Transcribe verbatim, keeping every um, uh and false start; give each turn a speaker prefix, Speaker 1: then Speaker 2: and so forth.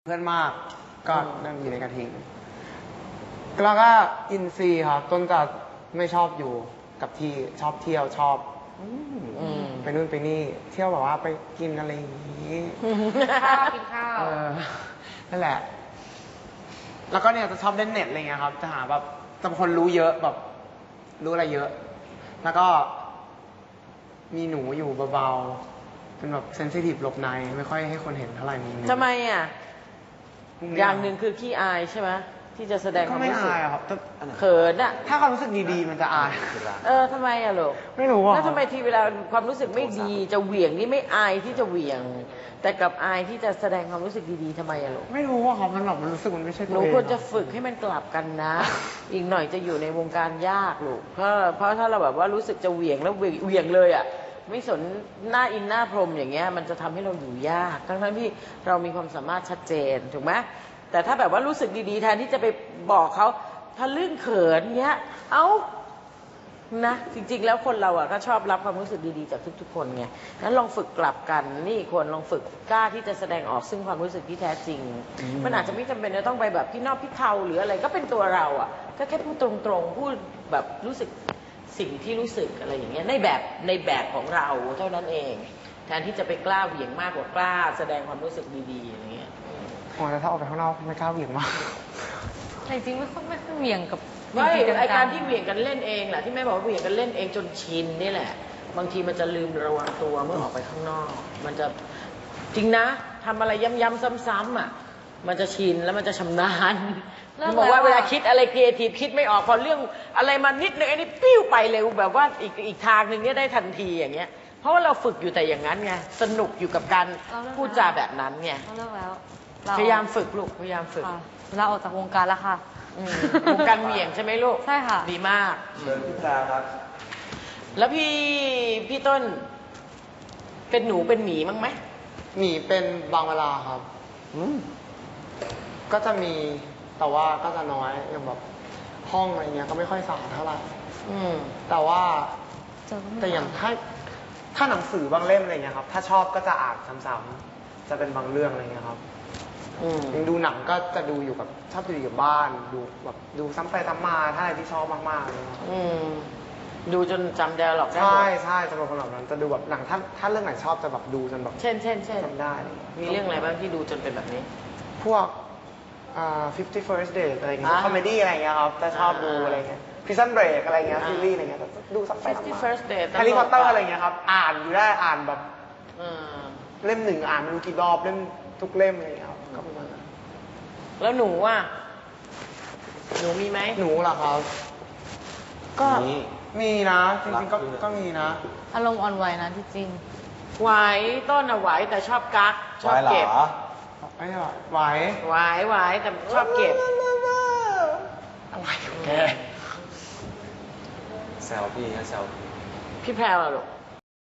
Speaker 1: เพื่อนมากก็นั่งอยู่ในกระทิงแล้วก็อินซีครับต้นจะไม่ชอบอยู่กับที่ชอบเที่ยวชอบไปนู่นไปนี่เที่ยวแบบว่าไปกินอะไรอย่างนี้
Speaker 2: ข้าวกินข้าว
Speaker 1: เออนั่นแหละแล้วก็เนี่ยจะชอบเล่นเน็ตอะไรเงี้ยครับจะหาแบบจะเป็นคนรู้เยอะแบบรู้อะไรเยอะแล้วก็มีหนูอยู่เบาๆเป็นแบบเซนซิทีฟหลบในไม่ค่อยให้คนเห็นเท่าไหร่มุมนี้
Speaker 2: ทำไมอ่ะอย่างหนึ่งคือขี้อายใช่ไหมที่จะแสดงความรู้สึก
Speaker 1: ก็ไม่อายครับ
Speaker 2: เขินอ่ะ
Speaker 1: ถ้าความรู้สึกดีๆมันจะอาย
Speaker 2: เออทำไมอ่ะลูก
Speaker 1: ไม่รู้อ่ะ
Speaker 2: แล้วทำไมทีเวลาความรู้สึกไม่ดีจะเหวี่ยงนี่ไม่อายที่จะเหวี่ยงแต่กับอายที่จะแสดงความรู้สึกดีๆทำไมอะลูก
Speaker 1: ไม่รู้อ่ะครับมันแบบมันรู้สึกมันไม่ใช่ตัวเอง
Speaker 2: หนูควรจะฝึกให้มันกลับกันนะ อีกหน่อยจะอยู่ในวงการยากลูกเพราะเพราะถ้าเราแบบว่ารู้สึกจะเหวี่ยงแล้วเหวี่ยงเลยอ่ะไม่สนหน้าอินหน้าพรมอย่างเงี้ยมันจะทำให้เราอยู่ยากทั้งๆที่เรามีความสามารถชัดเจนถูกไหมแต่ถ้าแบบว่ารู้สึกดีๆแทนที่จะไปบอกเขาถ้าลื่นเขินเงี้ยเอ้านะจริงๆแล้วคนเราอ่ะก็ชอบรับความรู้สึกดีๆจากทุกๆคนไงงั้นลองฝึกกลับกันนี่ควรลองฝึกกล้าที่จะแสดงออกซึ่งความรู้สึกที่แท้จริงมันอาจจะไม่จำเป็นจะต้องไปแบบพี่นอกพี่เทาหรืออะไรก็เป็นตัวเราอ่ะก็แค่พูดตรงๆพูดแบบรู้สึกสิ่งที่รู้สึกอะไรอย่างเงี้ยในแบบในแบบของเราเท่านั้นเองแทนที่จะไปกล้าเหวี่ยงมากกว่ากล้าแสดงความรู้สึกดีๆอย่างเงี้ย
Speaker 1: โอ้แต่ถ้าออกไปข้างนอกไม่กล้าเหวี่ยงมาก
Speaker 3: แต่จริงไม่ค่อยไม่ค่อยเหวี่ยงกับ
Speaker 2: ไม่ไอการที่เหวี่ยงกันเล่นเองแหละที่แม่บอกว่าเหวี่ยงกันเล่นเองจนชินนี่แหละบางทีมันจะลืมระวังตัวเมื่อออกไปข้างนอกมันจะจริงนะทำอะไรย้ำๆซ้ำๆอ่ะมันจะชินแล้วมันจะชำนาญบอกว่าเวลาคิดอะไรครีเอทีฟคิดไม่ออกพอเรื่องอะไรมานิดนึงไอ้นี่ปิ้วไปเร็วแบบว่าอีกอีกทางหนึ่งเนี่ยได้ทันทีอย่างเงี้ยเพราะว่าเราฝึกอยู่แต่อย่างนั้นไงสนุกอยู่กับการพูดจาแบบนั้นไง
Speaker 3: เลิกแล้ว
Speaker 2: พยายามฝึกลูกพยายามฝึก
Speaker 3: เราออกจากวงการแล้วค่ะ
Speaker 2: วงการเหวี่ยงใช่ไหมลูก
Speaker 3: ใช่ค่ะ
Speaker 2: ดีมาก
Speaker 4: เชิญพี่แพรครับ
Speaker 2: แล้วพี่พี่ต้นเป็นหนูเป็นหมีมั้งไหม
Speaker 1: หมีเป็นบางเวลาครับก็จะมีแต่ว่าก็จะน้อยอย่างแบบห้องอะไรเงี้ยก็ไม่ค่อยสะอาดเท่าไหร่แต่ว่าแต่อย่างถ้าถ้าหนังสือบางเล่มอะไรเงี้ยครับถ้าชอบก็จะอ่านซ้ำๆจะเป็นบางเรื่องอะไรเงี้ยครับยังดูหนังก็จะดูอยู่กับชอบดูอยู่กับบ้านดูแบบดูซ้ำไปซ้ำมาถ้าอะไรที่ชอบมากๆเลยครับ
Speaker 2: ดูจนจำได้หรอก
Speaker 1: ใช่ใช่จะเป็นคนแบบนั้นจะดูแบบหนังถ้าถ้าเรื่องไหนชอบจะแบบดูจนแบบ
Speaker 2: เช่นเช่นเช่น
Speaker 1: จำได้
Speaker 2: มีเรื่องอะไรบ้างที่ดูจนเป็นแบบนี้
Speaker 1: พวกอ่า fifty first date อะไรเงี้ยคอมเมดี้อะไรเงี้ยครับจะชอบดูอะไรเงี้ย Prison Break อะไรเงี้ยซีรีส์อะไรเงี้ยดูซ้ำไปซ้ำมา
Speaker 2: fifty first date
Speaker 1: แฮร์รี่พอตเตอร์อะไรเงี้ยครับอ่านอยู่ได้อ่านแบบเล่มหนึ่งอ่านไม่รู้กี่รอบเล่มทุกเล่มอะไรเงี้ยครับก็ประมาณนั้น
Speaker 2: แล้วหนูอ่ะหนูมีไหม
Speaker 1: หนูเหรอครับก็มีนะจริงๆก็ก็มีนะ
Speaker 3: อารมณ์อ่อนไหวนะที่จริง
Speaker 2: ไหวต้นอะไหวแต่ชอบกักชอบเก็บ
Speaker 1: ไม่ไหว
Speaker 2: ไหวไหวแต่ชอบเก็บ
Speaker 1: อะไรแก
Speaker 4: แซวพี่นะแซว
Speaker 2: พี่แพรวอะลูก